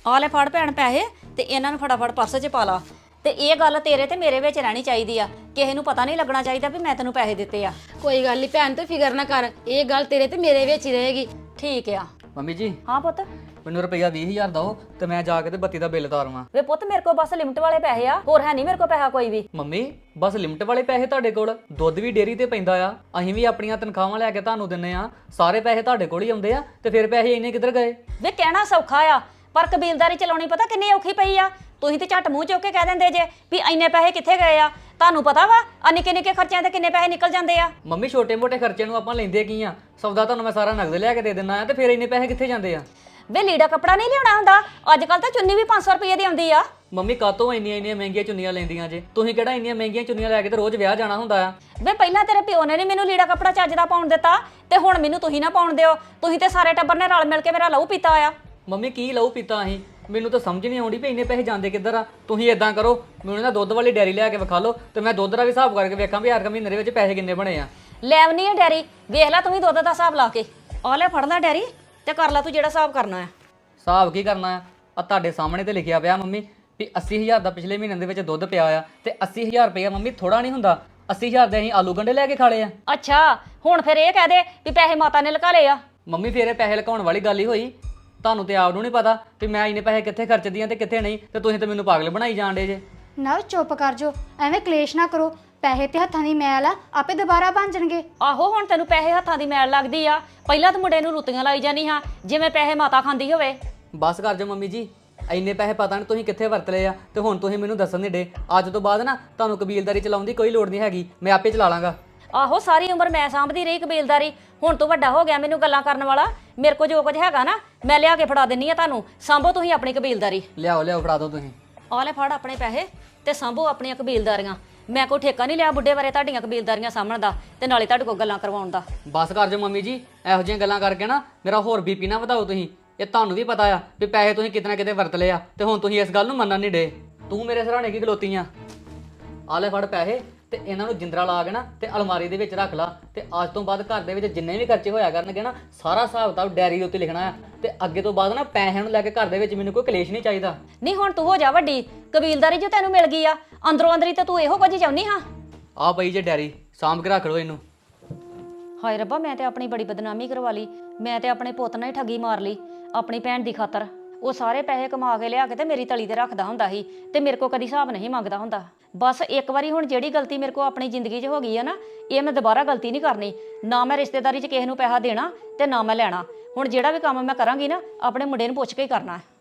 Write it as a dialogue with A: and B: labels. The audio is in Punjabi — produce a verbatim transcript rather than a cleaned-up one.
A: ਆ ਲੈ ਫੜ ਭੈਣ ਪੈਸੇ ਤੇ ਇਹਨਾਂ ਨੂੰ ਫਟਾਫਟ ਪਰਸ 'ਚ ਪਾ ਲਾ। ਤੇ ਇਹ ਗੱਲ ਤੇਰੇ ਤੇ ਮੇਰੇ ਵਿੱਚ ਰਹਿਣੀ ਚਾਹੀਦੀ ਆ, ਕਿਸੇ ਨੂੰ ਪਤਾ ਨਹੀਂ ਲੱਗਣਾ ਚਾਹੀਦਾ ਵੀ ਮੈਂ ਤੈਨੂੰ ਪੈਸੇ ਦਿੱਤੇ ਆ।
B: ਕੋਈ ਗੱਲ ਨਹੀਂ ਭੈਣ, ਤੂੰ ਫਿਕਰ ਨਾ ਕਰ, ਇਹ ਗੱਲ ਤੇਰੇ ਤੇ ਮੇਰੇ ਵਿੱਚ ਹੀ ਰਹੇਗੀ।
A: ਠੀਕ ਆ।
C: ਮੰਮੀ ਜੀ
A: ਹਾਂ ਪੁੱਤ।
C: ਮੈਨੂੰ ਰੁਪਈਆ ਵੀਹ ਹਜ਼ਾਰ ਦਿਓ ਤੇ ਮੈਂ ਜਾ ਕੇ ਤੇ ਬੱਤੀ ਦਾ ਬਿੱਲ ਤਾਰਵਾਂ।
A: ਵੇ ਪੁੱਤ ਮੇਰੇ ਕੋਲ ਬਸ ਲਿਮਟ ਵਾਲੇ ਪੈਸੇ ਆ, ਹੋਰ ਹੈ ਨਹੀਂ ਮੇਰੇ ਕੋਲ ਪੈਸਾ ਕੋਈ ਵੀ।
C: ਮੰਮੀ ਬਸ ਲਿਮਟ ਵਾਲੇ ਪੈਸੇ ਤੁਹਾਡੇ ਕੋਲ? ਦੁੱਧ ਵੀ ਡੇਅਰੀ ਤੇ ਪੈਂਦਾ ਆ, ਅਸੀਂ ਵੀ ਆਪਣੀਆਂ ਤਨਖਾਹਾਂ ਲੈ ਕੇ ਤੁਹਾਨੂੰ ਦਿੰਨੇ ਆ, ਸਾਰੇ ਪੈਸੇ ਤੁਹਾਡੇ ਕੋਲ ਹੀ ਆਉਂਦੇ ਆ, ਤੇ ਫਿਰ ਪੈਸੇ ਇੰਨੇ ਕਿੱਧਰ ਗਏ?
A: ਵੇ ਕਹਿਣਾ ਸੌਖਾ ਆ, ਪਰ ਕਬੀਲਦਾਰੀ ਚਲਾਉਣੀ ਪਤਾ ਕਿੰਨੀ ਔਖੀ ਪਈ ਆ। ਤੁਸੀਂ ਤੇ ਝੱਟ ਮੂੰਹ ਚੁੱਕ ਕੇ ਕਹਿ ਦਿੰਦੇ ਜੇ ਵੀ ਇੰਨੇ ਪੈਸੇ ਕਿੱਥੇ ਗਏ ਆ। ਤੁਹਾਨੂੰ ਪਤਾ ਵਾ ਆ ਨਿੱਕੇ ਨਿੱਕੇ ਖਰਚਿਆਂ ਤੇ ਕਿੰਨੇ ਪੈਸੇ ਨਿਕਲ ਜਾਂਦੇ ਆ।
C: ਮੰਮੀ ਛੋਟੇ ਮੋਟੇ ਖਰਚੇ ਨੂੰ ਆਪਾਂ ਲੈਂਦੇ ਕੀ ਆ? ਸੌਦਾ ਤੁਹਾਨੂੰ ਮੈਂ ਸਾਰਾ ਨਗਦ ਲਿਆ ਕੇ ਦੇ ਦਿੰਦਾ ਆ, ਤੇ ਫਿਰ ਇੰਨੇ ਪੈਸੇ ਕਿੱਥੇ ਜਾਂਦੇ ਆ?
A: ਵੇ ਲੀੜਾ ਕੱਪੜਾ ਨਹੀਂ ਲਿਆਉਣਾ ਹੁੰਦਾ, ਅੱਜ ਕੱਲ ਤਾਂ ਚੁੰਨੀ ਵੀ ਪੰਜ ਸੌ ਰੁਪਏ ਦੀ ਆਉਂਦੀ ਆ।
C: ਮੰਮੀ ਕਾਤੋਂ ਇੰਨੀਆਂ ਇੰਨੀਆਂ ਮਹਿੰਗੀਆਂ ਚੁੰਨੀਆਂ ਲੈਂਦੀਆਂ ਜੇ? ਤੁਸੀਂ ਕਿਹੜਾ ਇੰਨੀਆਂ ਮਹਿੰਗੀਆਂ ਚੁੰਨੀਆਂ ਲੈ ਕੇ ਤੇ ਰੋਜ਼ ਵਿਆਹ ਜਾਣਾ ਹੁੰਦਾ ਆ?
A: ਵੇ ਪਹਿਲਾਂ ਤੇਰੇ ਪਿਓ ਨੇ ਨਹੀਂ ਮੈਨੂੰ ਲੀੜਾ ਕੱਪੜਾ ਚੱਜ ਦਾ ਪਾਉਣ ਦਿੱਤਾ, ਤੇ ਹੁਣ ਮੈਨੂੰ ਤੁਸੀਂ ਨਾ ਪਾਉਣ ਦਿਓ। ਤੁਸੀਂ ਤੇ ਸਾਰੇ ਟੱਬਰ ਨੇ ਰਲ ਮਿਲ ਕੇ ਮੇਰਾ ਲਹੂ ਪੀਤਾ ਆ।
C: ਮੰਮੀ ਕੀ ਲਹੂ ਪੀਤਾ ਅਸੀਂ? ਮੈਨੂੰ ਤਾਂ ਸਮਝ ਨਹੀਂ ਆਉਂਦੀ ਵੀ ਇੰਨੇ ਪੈਸੇ ਜਾਂਦੇ ਕਿੱਧਰ ਆ। ਤੁਸੀਂ ਇਦਾਂ ਕਰੋ, ਮੈਨੂੰ ਨਾ ਦੁੱਧ ਵਾਲੀ ਡੈਰੀ ਲਿਆ ਕੇ ਵਿਖਾ ਲਓ, ਤੇ ਮੈਂ ਦੁੱਧ ਦਾ ਵੀ ਹਿਸਾਬ ਕਰਕੇ ਵੇਖਾਂ ਵੀ ਹਰ ਮਹੀਨੇ ਦੇ ਵਿੱਚ ਪੈਸੇ ਕਿੰਨੇ ਬਣੇ ਆ।
A: ਲੈਵਨੀ ਆ ਡੈਰੀ, ਵੇਖ ਲੈ ਤੂੰ ਵੀ ਦੁੱਧ ਦਾ ਹਿਸਾਬ ਲਾ ਕੇ। ਆ ਲੈ ਫੜ ਲੈ ਡੈਰੀ ਤੇ ਕਰ ਲੈ ਤੂੰ ਜਿਹੜਾ ਹਿਸਾਬ ਕਰਨਾ ਆ।
C: ਹਿਸਾਬ ਕੀ ਕਰਨਾ ਆ? ਆ ਤੁਹਾਡੇ ਸਾਹਮਣੇ ਤੇ ਲਿਖਿਆ ਪਿਆ ਮੰਮੀ ਵੀ ਅੱਸੀ ਹਜ਼ਾਰ ਦਾ ਪਿਛਲੇ ਮਹੀਨੇ ਦੇ ਵਿੱਚ ਦੁੱਧ ਪਿਆ ਆ, ਤੇ ਅੱਸੀ ਹਜ਼ਾਰ ਰੁਪਇਆ ਮੰਮੀ ਥੋੜਾ ਨਹੀਂ ਹੁੰਦਾ। ਅੱਸੀ ਹਜ਼ਾਰ ਦੇ ਅਸੀਂ ਆਲੂ ਗੰਢੇ ਲੈ ਕੇ ਖਾ ਲਏ ਆ।
A: ਅੱਛਾ ਹੁਣ ਫਿਰ ਇਹ ਕਹਿ ਦੇ ਵੀ ਪੈਸੇ ਮਾਤਾ ਨੇ ਲੁਕਾ ਲਏ ਆ।
C: ਮੰਮੀ ਫੇਰ ਇਹ ਪੈਸੇ ਲਕਾਉਣ ਵਾਲੀ ਗੱਲ ਹੀ ਹੋਈ। ਤੁਹਾਨੂੰ ਤੇ ਆਪ ਨੂੰ ਨਹੀਂ ਪਤਾ ਵੀ ਮੈਂ ਇੰਨੇ ਪੈਸੇ ਕਿੱਥੇ ਖਰਚਦੀ ਆ ਤੇ ਕਿੱਥੇ ਨਹੀਂ, ਤੇ ਤੁਸੀਂ ਤੇ ਮੈਨੂੰ ਪਾਗਲ ਬਣਾਈ ਜਾਣ ਡੇ ਜੇ।
D: ਨਾ ਚੁੱਪ ਕਰ ਜੋ, ਐਵੇਂ ਕਲੇਸ਼ ਨਾ ਕਰੋ। ਪੈਸੇ ਤੇ ਹੱਥਾਂ ਦੀ ਮੈਲ ਆ, ਆਪੇ ਦੁਬਾਰਾ ਬਣ ਜਾਣਗੇ।
A: ਆਹੋ ਹੁਣ ਤੈਨੂੰ ਪੈਸੇ ਹੱਥਾਂ ਦੀ ਮੈਲ ਲੱਗਦੀ ਆ, ਪਹਿਲਾਂ ਤਾਂ ਮੁੰਡੇ ਨੂੰ ਰੁੱਤੀਆਂ ਲਾਈ ਜਾਨੀ ਹਾਂ ਜਿਵੇਂ ਪੈਸੇ ਮਾਤਾ ਖਾਂਦੀ ਹੋਵੇ।
C: ਬਸ ਕਰ ਜਾ ਮੰਮੀ ਜੀ, ਇੰਨੇ ਪੈਸੇ ਪਤਾ ਨਹੀਂ ਤੁਸੀਂ ਕਿੱਥੇ ਵਰਤ ਲਏ ਆ, ਤੇ ਹੁਣ ਤੁਸੀਂ ਮੈਨੂੰ ਦੱਸਣ ਨਹੀਂ ਡੇ। ਅੱਜ ਤੋਂ ਬਾਅਦ ਨਾ ਤੁਹਾਨੂੰ ਕਬੀਲਦਾਰੀ ਚਲਾਉਣ ਦੀ ਕੋਈ ਲੋੜ ਨਹੀਂ ਹੈਗੀ, ਮੈਂ ਆਪੇ ਚਲਾ ਲਾਂਗਾ।
A: ਆਹੋ ਸਾਰੀ ਉਮਰ ਮੈਂ ਸਾਂਭਦੀ ਰਹੀ ਕਬੀਲਦਾਰੀ, ਹੁਣ ਤੂੰ ਵੱਡਾ ਹੋ ਗਿਆ ਮੈਨੂੰ ਗੱਲਾਂ ਕਰਨ ਵਾਲਾ। ਮੇਰੇ ਕੋਲ ਜੋ ਕੁਝ ਹੈਗਾ ਨਾ ਮੈਂ ਲਿਆ ਕੇ ਫੜਾ ਦਿੰਨੀ ਆ ਤੁਹਾਨੂੰ, ਸਾਂਭੋ ਤੁਸੀਂ ਆਪਣੀ ਕਬੀਲਦਾਰੀ।
C: ਲਿਆਓ ਲਿਆਓ ਫੜਾ ਦਿਓ ਤੁਸੀਂ।
A: ਆ ਲੈ ਫੜ ਆਪਣੇ ਪੈਸੇ ਤੇ ਸਾਂਭੋ ਆਪਣੀਆਂ ਕਬੀਲਦਾਰੀਆਂ। ਮੈਂ ਕੋਈ ਠੇਕਾ ਨਹੀਂ ਲਿਆ ਬੁੱਢੇ ਬਾਰੇ ਤੁਹਾਡੀਆਂ ਕਬੀਲਦਾਰੀਆਂ ਸਾਂਭਣ ਦਾ ਤੇ ਨਾਲੇ ਤੁਹਾਡੇ ਕੋਲ ਗੱਲਾਂ ਕਰਵਾਉਣ ਦਾ।
C: ਬਸ ਕਰ ਜਾ ਮੰਮੀ ਜੀ, ਇਹੋ ਜਿਹੀਆਂ ਗੱਲਾਂ ਕਰਕੇ ਨਾ ਮੇਰਾ ਹੋਰ ਬੀਪੀ ਨਾ ਵਧਾਓ ਤੁਸੀਂ। ਇਹ ਤੁਹਾਨੂੰ ਵੀ ਪਤਾ ਆ ਵੀ ਪੈਸੇ ਤੁਸੀਂ ਕਿਤੇ ਨਾ ਕਿਤੇ ਵਰਤ ਲਏ ਆ, ਤੇ ਹੁਣ ਤੁਸੀਂ ਇਸ ਗੱਲ ਨੂੰ ਮੰਨਣ ਨਹੀਂ ਡੇ। ਤੂੰ ਮੇਰੇ ਸਰਾਣੇ ਕੀ ਖਲੋਤੀ ਆ? ਆ ਲੈ ਫੜ ਪੈਸੇ ਤੇ ਇਹਨਾਂ ਨੂੰ ਜਿੰਦਰਾ ਲਾ ਕੇ ਨਾ ਤੇ ਅਲਮਾਰੀ ਦੇ ਵਿੱਚ ਰੱਖ ਲਾ, ਤੇ ਅੱਜ ਤੋਂ ਬਾਅਦ ਘਰ ਦੇ ਵਿੱਚ ਜਿੰਨੇ ਵੀ ਖਰਚੇ ਹੋਇਆ ਕਰਨਗੇ ਨਾ ਸਾਰਾ ਹਿਸਾਬ ਕਿਤਾਬ ਡੈਰੀ ਦੇ ਉੱਤੇ ਲਿਖਣਾ ਆ, ਤੇ ਅੱਗੇ ਤੋਂ ਬਾਅਦ ਨਾ ਪੈਸਿਆਂ ਨੂੰ ਲੈ ਕੇ ਘਰ ਦੇ ਵਿੱਚ ਮੈਨੂੰ ਕੋਈ ਕਲੇਸ਼ ਨਹੀਂ ਚਾਹੀਦਾ।
A: ਨਹੀਂ ਹੁਣ ਤੂੰ ਹੋ ਜਾ ਵੱਡੀ, ਕਬੀਲਦਾਰੀ ਜੋ ਤੈਨੂੰ ਮਿਲ ਗਈ ਆ ਅੰਦਰੋਂ ਅੰਦਰੀ ਤੇ ਤੂੰ ਇਹੋ ਕੁਝ ਚਾਹੁੰਦੀ ਹਾਂ।
C: ਆ ਪਈ ਜੇ ਡੈਰੀ, ਸਾਂਭ ਕੇ ਰੱਖ ਲਓ ਇਹਨੂੰ।
A: ਹਾਏ ਰੱਬਾ ਮੈਂ ਤੇ ਆਪਣੀ ਬੜੀ ਬਦਨਾਮੀ ਕਰਵਾ ਲਈ, ਮੈਂ ਤੇ ਆਪਣੇ ਪੁੱਤ ਨਾਲ ਹੀ ਠੱਗੀ ਮਾਰ ਲਈ ਆਪਣੀ ਭੈਣ ਦੀ ਖਾਤਰ। ਉਹ ਸਾਰੇ ਪੈਸੇ ਕਮਾ ਕੇ ਲਿਆ ਕੇ ਤੇ ਮੇਰੀ ਤਲੀ ਤੇ ਰੱਖਦਾ ਹੁੰਦਾ ਸੀ, ਤੇ ਮੇਰੇ ਕੋ ਕਦੀ ਹਿਸਾਬ ਨਹੀਂ ਮੰਗਦਾ ਹੁੰਦਾ। ਬਸ ਇੱਕ ਵਾਰੀ ਹੁਣ ਜਿਹੜੀ ਗਲਤੀ ਮੇਰੇ ਕੋ ਆਪਣੀ ਜ਼ਿੰਦਗੀ 'ਚ ਹੋ ਗਈ ਆ ਨਾ, ਇਹ ਮੈਂ ਦੁਬਾਰਾ ਗਲਤੀ ਨਹੀਂ ਕਰਨੀ। ਨਾ ਮੈਂ ਰਿਸ਼ਤੇਦਾਰੀ 'ਚ ਕਿਸੇ ਨੂੰ ਪੈਸਾ ਦੇਣਾ ਤੇ ਨਾ ਮੈਂ ਲੈਣਾ। ਹੁਣ ਜਿਹੜਾ ਵੀ ਕੰਮ ਮੈਂ ਕਰਾਂਗੀ ਨਾ ਆਪਣੇ ਮੁੰਡੇ ਨੂੰ ਪੁੱਛ ਕੇ ਹੀ ਕਰਨਾ ਹੈ।